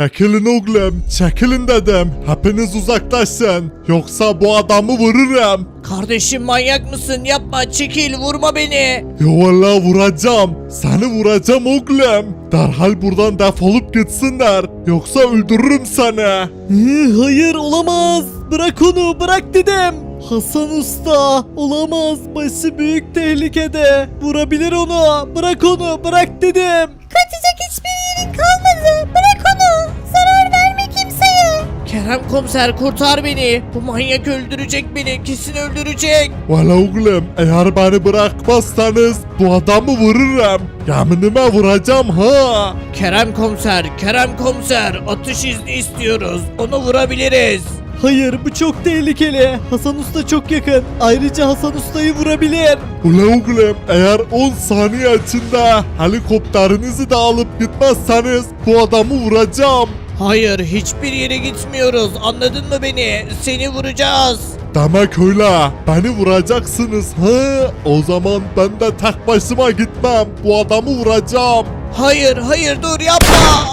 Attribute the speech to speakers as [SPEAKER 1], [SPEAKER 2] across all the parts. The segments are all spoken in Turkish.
[SPEAKER 1] Çekilin oğlum, çekilin dedim. Hepiniz uzaklaşın. Yoksa bu adamı vururum.
[SPEAKER 2] Kardeşim manyak mısın? Yapma, çekil, vurma beni.
[SPEAKER 1] Ya vallahi vuracağım. Seni vuracağım oğlum. Derhal buradan defolup gitsinler. Yoksa öldürürüm seni.
[SPEAKER 3] Hayır olamaz. Bırak onu bırak dedim. Hasan Usta olamaz. Başı büyük tehlikede. Vurabilir onu. Bırak onu bırak dedim.
[SPEAKER 4] Kaçacak hiçbir yerin kalmadı. Bırak onu. Zarar verme kimseye.
[SPEAKER 2] Kerem komiser kurtar beni. Bu manyak öldürecek beni. Kesin öldürecek.
[SPEAKER 1] Valla oğlum eğer beni bırakmazsanız bu adamı vururum. Yeminime vuracağım ha.
[SPEAKER 2] Kerem komiser atış izni istiyoruz. Onu vurabiliriz.
[SPEAKER 3] Hayır bu çok tehlikeli. Hasan Usta çok yakın. Ayrıca Hasan Usta'yı vurabilir.
[SPEAKER 1] Ula oğlum eğer 10 saniye içinde helikopterinizi de alıp gitmezseniz bu adamı vuracağım.
[SPEAKER 2] Hayır, hiçbir yere gitmiyoruz. Anladın mı beni? Seni vuracağız.
[SPEAKER 1] Demek öyle. Beni vuracaksınız ha? O zaman ben de tek başıma gitmem. Bu adamı vuracağım.
[SPEAKER 2] Hayır dur yapma.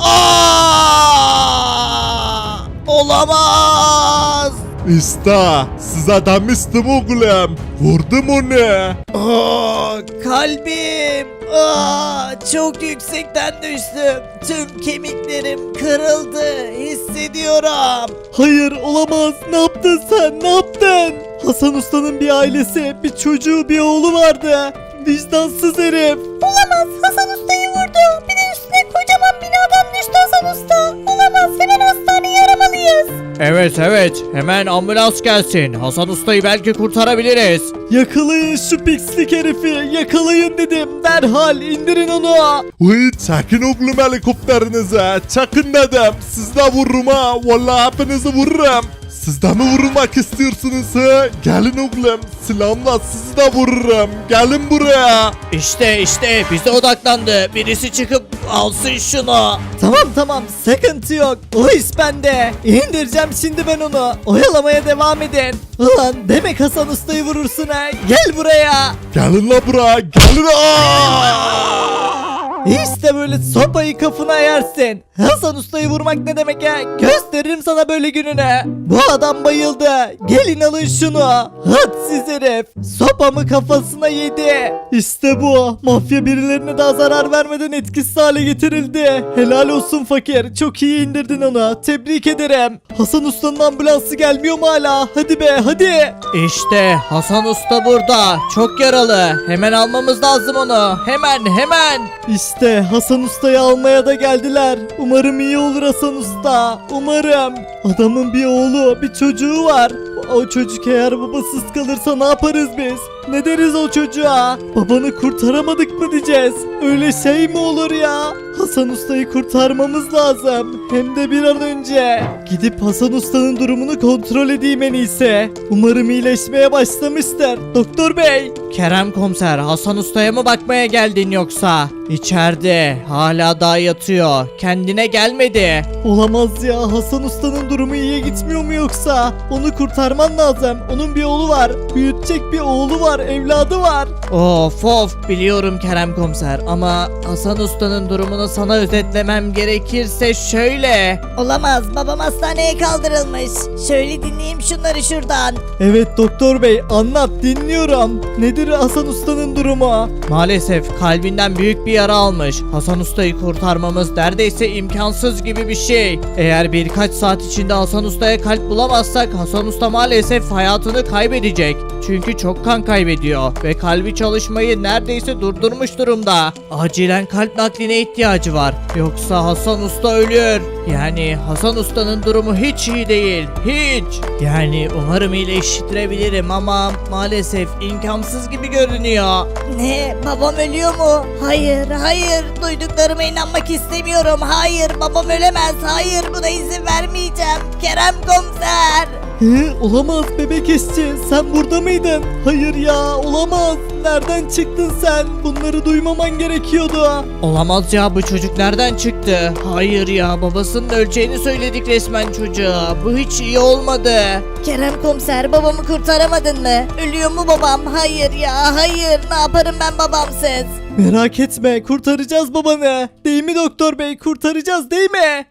[SPEAKER 2] Olamaz.
[SPEAKER 1] İşte size demiştim oğlum. Vurdum onu.
[SPEAKER 2] Kalbim. Çok yüksekten düştüm. Tüm kemiklerim kırıldı. Hissediyorum.
[SPEAKER 3] Hayır olamaz. Ne yaptın sen? Ne yaptın? Hasan Usta'nın bir ailesi, bir çocuğu, bir oğlu vardı. Vicdansız herif.
[SPEAKER 4] Olamaz. Hasan Usta'yı vurdu. Bir de üstüne kocaman binadan düştü Hasan Usta. Olamaz. Hemen hastaneye aramalıyız.
[SPEAKER 2] Evet. Hemen ambulans gelsin. Hasan Usta'yı belki kurtarabiliriz.
[SPEAKER 3] Yakalayın şu pislik herifi. Yakalayın dedim. Derhal indirin onu.
[SPEAKER 1] Uy çekin oğlum helikopterinize. Çekin dedim. Siz de vururum ha. Vallahi hepinizi vururum. Siz de mi vurulmak istiyorsunuz ha? Gelin oğlum. Silahımla sizi de vururum. Gelin buraya.
[SPEAKER 2] İşte bize odaklandı. Birisi çıkıp alsın şunu.
[SPEAKER 3] Tamam sıkıntı yok. O iş bende. İndireceğim şimdi ben onu. Oyalamaya devam edin. Ulan demek Hasan Usta'yı vurursun ha. Gel buraya.
[SPEAKER 1] Gelin la buraya. Gelin. Aa!
[SPEAKER 3] İşte böyle sopayı kafana yersin. Hasan Usta'yı vurmak ne demek ya? Gösteririm sana böyle gününe. Bu adam bayıldı. Gelin alın şunu. Hadsiz herif. Sopamı kafasına yedi. İşte bu. Mafya birilerine daha zarar vermeden etkisiz hale getirildi. Helal olsun fakir. Çok iyi indirdin onu. Tebrik ederim. Hasan Usta'nın ambulansı gelmiyor mu hala? Hadi be hadi.
[SPEAKER 2] İşte Hasan Usta burada. Çok yaralı. Hemen almamız lazım onu. Hemen.
[SPEAKER 3] İşte Hasan Usta'yı almaya da geldiler. Umarım iyi olur Hasan Usta. Umarım. Adamın bir oğlu, bir çocuğu var. O çocuk eğer babasız kalırsa ne yaparız biz? Ne deriz o çocuğa? Babanı kurtaramadık mı diyeceğiz? Öyle şey mi olur ya? Hasan Usta'yı kurtarmamız lazım. Hem de bir an önce. Gidip Hasan Usta'nın durumunu kontrol edeyim en iyisi. Umarım iyileşmeye başlamıştır. Doktor bey.
[SPEAKER 2] Kerem komiser, Hasan Usta'ya mı bakmaya geldin yoksa? İçeride. Hala daha yatıyor. Kendine gelmedi.
[SPEAKER 3] Olamaz ya, Hasan Usta'nın durumu iyiye gitmiyor mu yoksa? Onu kurtarman lazım. Onun bir oğlu var. Büyütecek bir oğlu var, evladı var.
[SPEAKER 2] Of biliyorum Kerem komiser ama Hasan Usta'nın durumunu sana özetlemem gerekirse şöyle.
[SPEAKER 4] Olamaz. Babam hastaneye kaldırılmış. Şöyle dinleyeyim şunları şuradan.
[SPEAKER 3] Evet doktor bey, anlat, dinliyorum. Nedir Hasan Usta'nın durumu?
[SPEAKER 2] Maalesef kalbinden büyük bir yara almış. Hasan Usta'yı kurtarmamız neredeyse imkansız gibi bir şey. Eğer birkaç saat içinde Hasan Usta'ya kalp bulamazsak Hasan Usta maalesef hayatını kaybedecek. Çünkü çok kan kaybediyor ve kalbi çalışmayı neredeyse durdurmuş durumda. Acilen kalp nakline ihtiyacı var. Yoksa Hasan Usta ölür. Yani Hasan Usta'nın durumu hiç iyi değil. Hiç. Yani umarım iyileştirebilirim ama maalesef imkansız gibi görünüyor.
[SPEAKER 4] Ne? Babam ölüyor mu? Hayır. Duyduklarıma inanmak istemiyorum. Hayır, babam ölemez. Hayır, buna izin vermeyeceğim. Kerem komiser.
[SPEAKER 3] Olamaz bebek işçi, sen burada mıydın? Hayır ya, olamaz. Nereden çıktın sen? Bunları duymaman gerekiyordu.
[SPEAKER 2] Olamaz ya, bu çocuk nereden çıktı? Hayır ya, babasının öleceğini söyledik resmen çocuğa. Bu hiç iyi olmadı.
[SPEAKER 4] Kerem komiser babamı kurtaramadın mı? Ölüyor mu babam? Hayır ya hayır. Ne yaparım ben babamsız?
[SPEAKER 3] Merak etme, kurtaracağız babanı. Değil mi doktor bey? Kurtaracağız değil mi?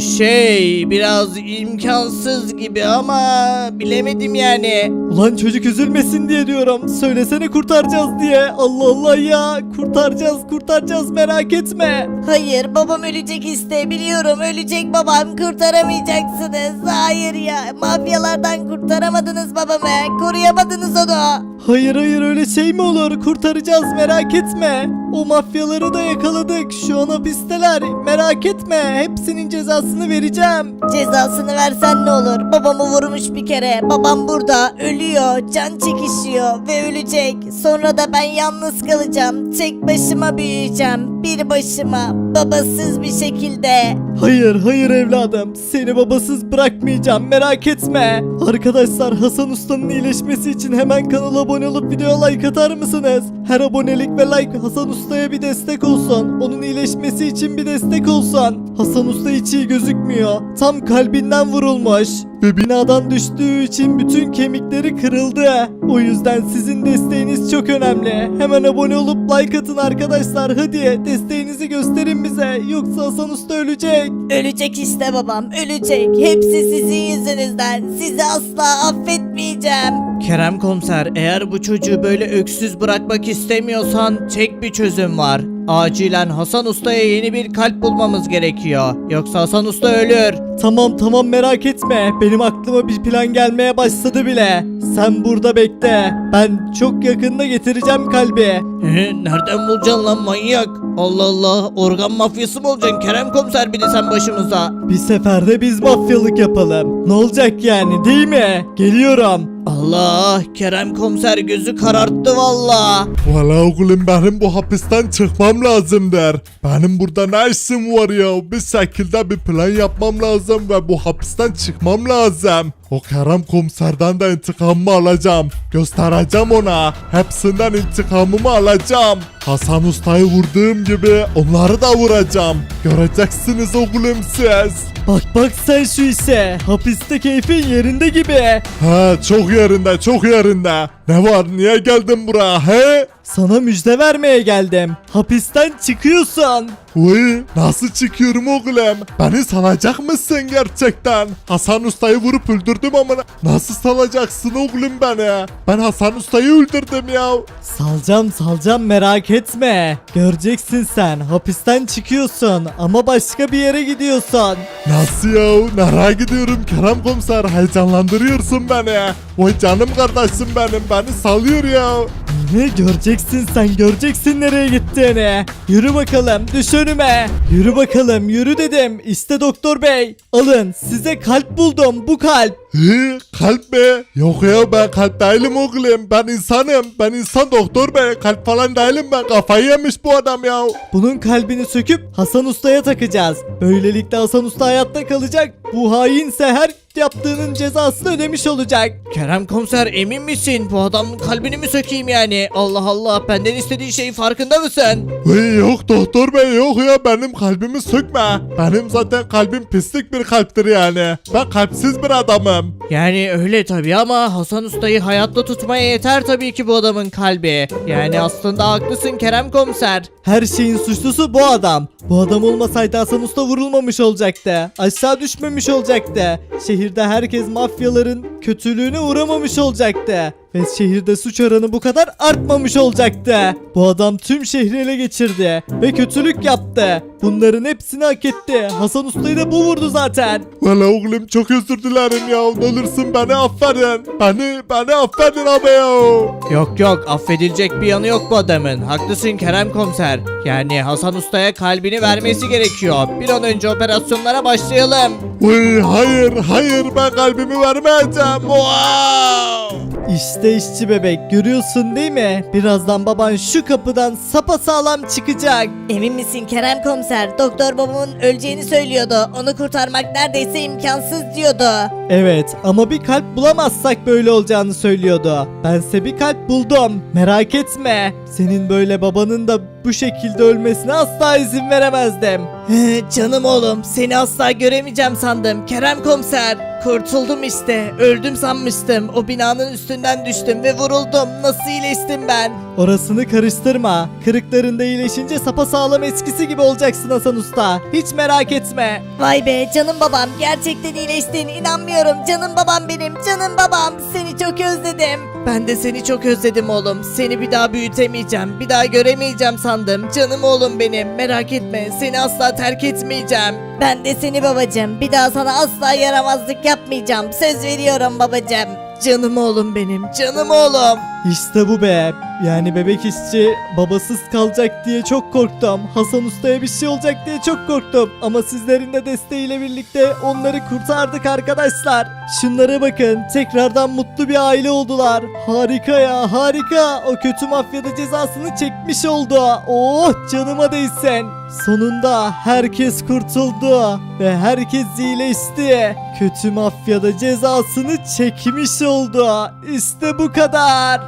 [SPEAKER 2] Biraz imkansız gibi ama bilemedim yani.
[SPEAKER 3] Ulan çocuk üzülmesin diye diyorum. Söylesene kurtaracağız diye. Allah Allah ya. Kurtaracağız merak etme.
[SPEAKER 4] Hayır babam ölecek işte biliyorum ölecek babam kurtaramayacaksınız. Hayır ya mafyalardan kurtaramadınız babamı koruyamadınız onu.
[SPEAKER 3] Hayır öyle şey mi olur? Kurtaracağız merak etme. O mafyaları da yakaladık. Şu an hapisteler. Merak etme. Hepsinin cezasını vereceğim.
[SPEAKER 4] Cezasını versen ne olur babamı vurmuş bir kere babam burada ölüyor can çekişiyor ve ölecek. Sonra da ben yalnız kalacağım tek başıma büyüyeceğim bir başıma babasız bir şekilde.
[SPEAKER 3] Hayır evladım. Seni babasız bırakmayacağım. Merak etme. Arkadaşlar Hasan Usta'nın iyileşmesi için hemen kanala abone olup videoya like atar mısınız? Her abonelik ve like Hasan Usta'ya bir destek olsun. Onun iyileşmesi için bir destek olsun. Hasan Usta hiç iyi gözükmüyor. Tam kalbinden vurulmuş. Ve binadan düştüğü için bütün kemikleri kırıldı. O yüzden sizin desteğiniz çok önemli. Hemen abone olup like atın arkadaşlar. Hadi desteğinizi gösterin bize. Yoksa Hasan Usta ölecek.
[SPEAKER 4] Ölecek işte babam ölecek hepsi sizin yüzünüzden sizi asla affetmeyeceğim.
[SPEAKER 2] Kerem komiser, eğer bu çocuğu böyle öksüz bırakmak istemiyorsan tek bir çözüm var. Acilen Hasan Usta'ya yeni bir kalp bulmamız gerekiyor. Yoksa Hasan Usta ölür.
[SPEAKER 3] Tamam merak etme. Benim aklıma bir plan gelmeye başladı bile. Sen burada bekle. Ben çok yakında getireceğim kalbi.
[SPEAKER 2] Nereden bulacaksın lan manyak? Allah Allah, organ mafyası mı olacaksın Kerem komiser, bir de sen başımıza?
[SPEAKER 3] Bir seferde biz mafyalık yapalım. Ne olacak yani değil mi? Geliyorum.
[SPEAKER 2] Allah, Kerem komiser gözü kararttı valla.
[SPEAKER 1] Valla oğlum benim bu hapisten çıkmam lazımdır. Benim burada ne işim var ya? Bir şekilde bir plan yapmam lazım ve bu hapisten çıkmam lazım. O Kerem komiserden de intikamımı alacağım. Göstereceğim ona. Hepsinden intikamımı alacağım. Hasan Usta'yı vurduğum gibi onları da vuracağım. Göreceksiniz oğlum siz.
[SPEAKER 3] Bak sen şu işe. Hapiste keyfin yerinde gibi.
[SPEAKER 1] He çok yerinde. Ne var niye geldin buraya he?
[SPEAKER 3] Sana müjde vermeye geldim. Hapisten çıkıyorsun.
[SPEAKER 1] Uy nasıl çıkıyorum oğlum? Beni salacak mısın gerçekten? Hasan Usta'yı vurup öldürdüm ama nasıl salacaksın oğlum beni? Ben Hasan Usta'yı öldürdüm ya.
[SPEAKER 3] Salacağım merak etme. Göreceksin sen. Hapisten çıkıyorsun ama başka bir yere gidiyorsun.
[SPEAKER 1] Nasıl ya? Nereye gidiyorum Kerem komiser? Heyecanlandırıyorsun beni. Oy canım kardeşim benim beni salıyor ya.
[SPEAKER 3] Ne göreceksin nereye gittiğini. Yürü bakalım düş önüme. Yürü bakalım yürü dedim. İşte doktor bey. Alın size kalp buldum bu kalp.
[SPEAKER 1] Kalp mi? Yok ya ben kalp değilim oğlum. Ben insanım. Ben insan doktor bey. Kalp falan değilim ben. Kafayı yemiş bu adam ya.
[SPEAKER 3] Bunun kalbini söküp Hasan Usta'ya takacağız. Böylelikle Hasan Usta hayatta kalacak. Bu hainse her yaptığının cezasını ödemiş olacak.
[SPEAKER 2] Kerem komiser, emin misin? Bu adamın kalbini mi sökeyim yani? Allah Allah, benden istediği şeyin farkında mısın?
[SPEAKER 1] Yok doktor bey yok ya benim kalbimi sökme. Benim zaten kalbim pislik bir kalptir yani. Ben kalpsiz bir adamım.
[SPEAKER 2] Yani öyle tabii ama Hasan Usta'yı hayatta tutmaya yeter tabii ki bu adamın kalbi. Yani aslında haklısın Kerem komiser.
[SPEAKER 3] Her şeyin suçlusu bu adam. Bu adam olmasaydı Hasan Usta vurulmamış olacaktı. Aşağı düşmemiş olacaktı. Şehirde herkes mafyaların kötülüğüne uğramamış olacaktı. Ve şehirde suç oranı bu kadar artmamış olacaktı. Bu adam tüm şehri ele geçirdi ve kötülük yaptı. Bunların hepsini hak etti. Hasan Usta'yı da bu vurdu zaten.
[SPEAKER 1] Valla oğlum çok özür dilerim ya. Ne olursun beni affedin. Beni affedin abi ya.
[SPEAKER 2] Yok affedilecek bir yanı yok bu adamın. Haklısın Kerem komiser. Yani Hasan Usta'ya kalbini vermesi gerekiyor. Bir an önce operasyonlara başlayalım.
[SPEAKER 1] Hayır ben kalbimi vermeyeceğim. Wow.
[SPEAKER 3] İşte işçi bebek, görüyorsun değil mi? Birazdan baban şu kapıdan sapasağlam çıkacak.
[SPEAKER 4] Emin misin Kerem komiser? Doktor babamın öleceğini söylüyordu. Onu kurtarmak neredeyse imkansız diyordu.
[SPEAKER 3] Evet ama bir kalp bulamazsak böyle olacağını söylüyordu. Bense bir kalp buldum. Merak etme. Senin böyle babanın da bu şekilde ölmesine asla izin veremezdim.
[SPEAKER 2] Canım oğlum, seni asla göremeyeceğim sandım Kerem komiser. Kurtuldum işte, öldüm sanmıştım. O binanın üstünden düştüm ve vuruldum. Nasıl iyileştim ben?
[SPEAKER 3] Orasını karıştırma. Kırıklarında iyileşince sapasağlam eskisi gibi olacaksın Hasan Usta. Hiç merak etme.
[SPEAKER 4] Vay be canım babam, gerçekten iyileştin, inanmıyorum. Canım babam benim, canım babam. Seni çok özledim.
[SPEAKER 2] Ben de seni çok özledim oğlum. Seni bir daha büyütemeyeceğim, bir daha göremeyeceğim sandım. Canım oğlum benim, merak etme. Seni asla terk etmeyeceğim.
[SPEAKER 4] Ben de seni babacığım. Bir daha sana asla yaramazlık yapmayacağım. Söz veriyorum babacığım.
[SPEAKER 2] Canım oğlum benim, canım oğlum.
[SPEAKER 3] İşte bu be. Yani bebek işçi babasız kalacak diye çok korktum. Hasan Usta'ya bir şey olacak diye çok korktum. Ama sizlerin de desteğiyle birlikte onları kurtardık arkadaşlar. Şunlara bakın. Tekrardan mutlu bir aile oldular. Harika ya, harika. O kötü mafyada cezasını çekmiş oldu. Oh, canıma değsin. Sonunda herkes kurtuldu ve herkes iyileşti. Kötü mafyada cezasını çekmiş oldu. İşte bu kadar.